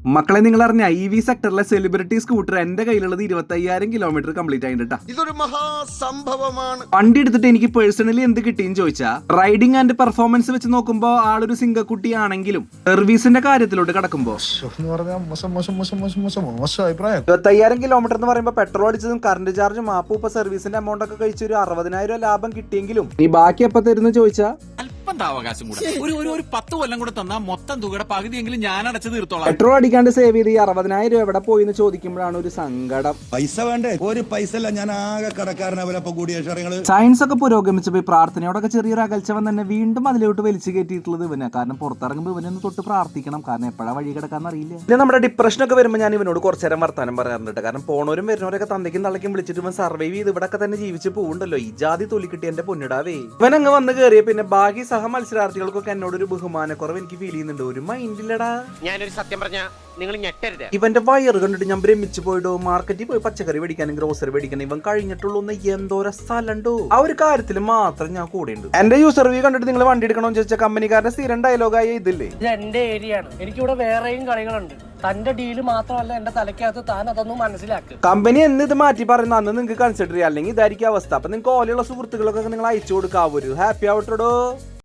മക്കളെ നിങ്ങൾ അറിഞ്ഞ EV സെക്ടറിലെ സെലിബ്രിറ്റി സ്കൂട്ടർ എന്റെ കയ്യിലുള്ളത് 25,000 കിലോമീറ്റർ കംപ്ലീറ്റ് ആയിട്ടാ. ഇതൊരു മഹാസംഭവമാണ്. വണ്ടി എടുത്തിട്ട് എനിക്ക് പേഴ്സണലി എന്ത് കിട്ടിയെന്ന് ചോദിച്ചാ, റൈഡിംഗ് ആൻഡ് പെർഫോമൻസ് വെച്ച് നോക്കുമ്പോ ആളൊരു സിംഗക്കുട്ടിയാണെങ്കിലും സർവീസിന്റെ കാര്യത്തിലോട്ട് കടക്കുമ്പോ 25,000 കിലോമീറ്റർ എന്ന് പറയുമ്പോൾ പെട്രോൾ അടിച്ചതും കറണ്ട് ചാർജും ആപ്പൂപ്പ സർവീസിന്റെ എമൗണ്ട് ഒക്കെ കഴിച്ച് ഒരു 60,000 ലാഭം കിട്ടിയെങ്കിലും നീ ബാക്കി എപ്പോ തരുന്ന ചോദിച്ചാ അവകാശം കൂടെ ഒരു 10 കൊല്ലം കൂടെ തന്നാൽ മൊത്തം തുകയുടെ പകുതിയെങ്കിലും ഞാൻ അടച്ചു തീർത്തോളാം. പെട്രോൾ അടിക്കാണ്ട് സേവ് ചെയ്ത് 60,000 എവിടെ പോയി എന്ന് ചോദിക്കുമ്പോഴാണ് ഒരു സങ്കടം. പൈസ വേണ്ടേ? ഒരു പൈസ അല്ല, ഞാൻ ആകെ കടക്കാരനവരപ്പൊ കൂടിയ സയൻസ് ഒക്കെ പുരോഗമിച്ചപ്പോ പ്രാർത്ഥനയോടൊക്കെ ചെറിയൊരു അകൽച്ച തന്നെ വീണ്ടും അതിലോട്ട് വലിച്ചു കയറ്റിയിട്ടുള്ളത് ഇവനെ. കാരണം പുറത്തിറങ്ങുമ്പോൾ ഇവനൊന്ന് തൊട്ട് പ്രാർത്ഥിക്കണം, കാരണം എപ്പോഴാ വഴി കിടക്കാന്ന് അറിയില്ല. പിന്നെ നമ്മുടെ ഡിപ്രഷൻ ഒക്കെ വരുമ്പോൾ ഞാൻ ഇവനോട് കുറച്ചു നേരം വർത്താനം പറയാറുണ്ട്. കാരണം പോണവരും വരുന്നവരൊക്കെ തന്തയ്ക്കും തള്ളയ്ക്കും വിളിച്ചിട്ട് ഇവൻ സർവൈവ് ചെയ്ത് ഇവിടെ തന്നെ ജീവിച്ച് പോകുന്നുണ്ടല്ലോ. ഈ ജാതി തൊലി കിട്ടി എന്റെ പൊന്നിടാവേ. ഇവൻ അങ്ങ് വന്ന് കയറിയ പിന്നെ ബാക്കി സഹ മത്സരാർത്ഥികൾക്കൊക്കെ എന്നോടൊരു ബഹുമാനക്കുറവ് എനിക്ക് ഫീൽ ചെയ്യുന്നുണ്ട്. ഒരു മൈൻഡില്ലടാ. ഞാനൊരു സത്യം പറഞ്ഞ നിങ്ങൾ ഞെട്ടരുത്. ഇവന്റെ വയറ് കണ്ടിട്ട് ഞാൻ ഭ്രമിച്ചു പോയിട്ടോ. മാർക്കറ്റിൽ പോയി പച്ചക്കറി മേടിക്കാനും ഗ്രോസറി മേടിക്കാനും ഇവൻ കഴിഞ്ഞിട്ടുള്ളൂ എന്തോര സ്ഥലമുണ്ടോ. ആ ഒരു കാര്യത്തിൽ മാത്രം ഞാൻ കൂടെയുണ്ട്. എന്റെ യൂസർ വ്യൂ കണ്ടിട്ട് നിങ്ങൾ വണ്ടി എടുക്കണമെന്ന് ചോദിച്ചാൽ കമ്പനിക്കാരുടെ സ്ഥിരം ഡയലോഗായ ഇതില്ലേ, ഇത് എന്റെ ഏരിയ ആണ്, എനിക്കിവിടെ വേറെയും കളികളുണ്ട്. തന്റെ ഡീല് മാത്രമല്ല എന്റെ തലയ്ക്കകത്ത്, താൻ അതൊന്നും മനസ്സിലാക്കുക. കമ്പനി എന്ന് ഇത് മാറ്റി പറയുന്ന അന്ന് നിങ്ങൾക്ക് കൺസിഡർ ചെയ്യാം, അല്ലെങ്കിൽ ഇതായിരിക്കും അവസ്ഥ. അപ്പൊ നിങ്ങൾക്ക് ഓലെയുള്ള സുഹൃത്തുക്കളൊക്കെ നിങ്ങൾ അയച്ചു കൊടുക്കാവൂ. ഹാപ്പി ആവട്ടോ.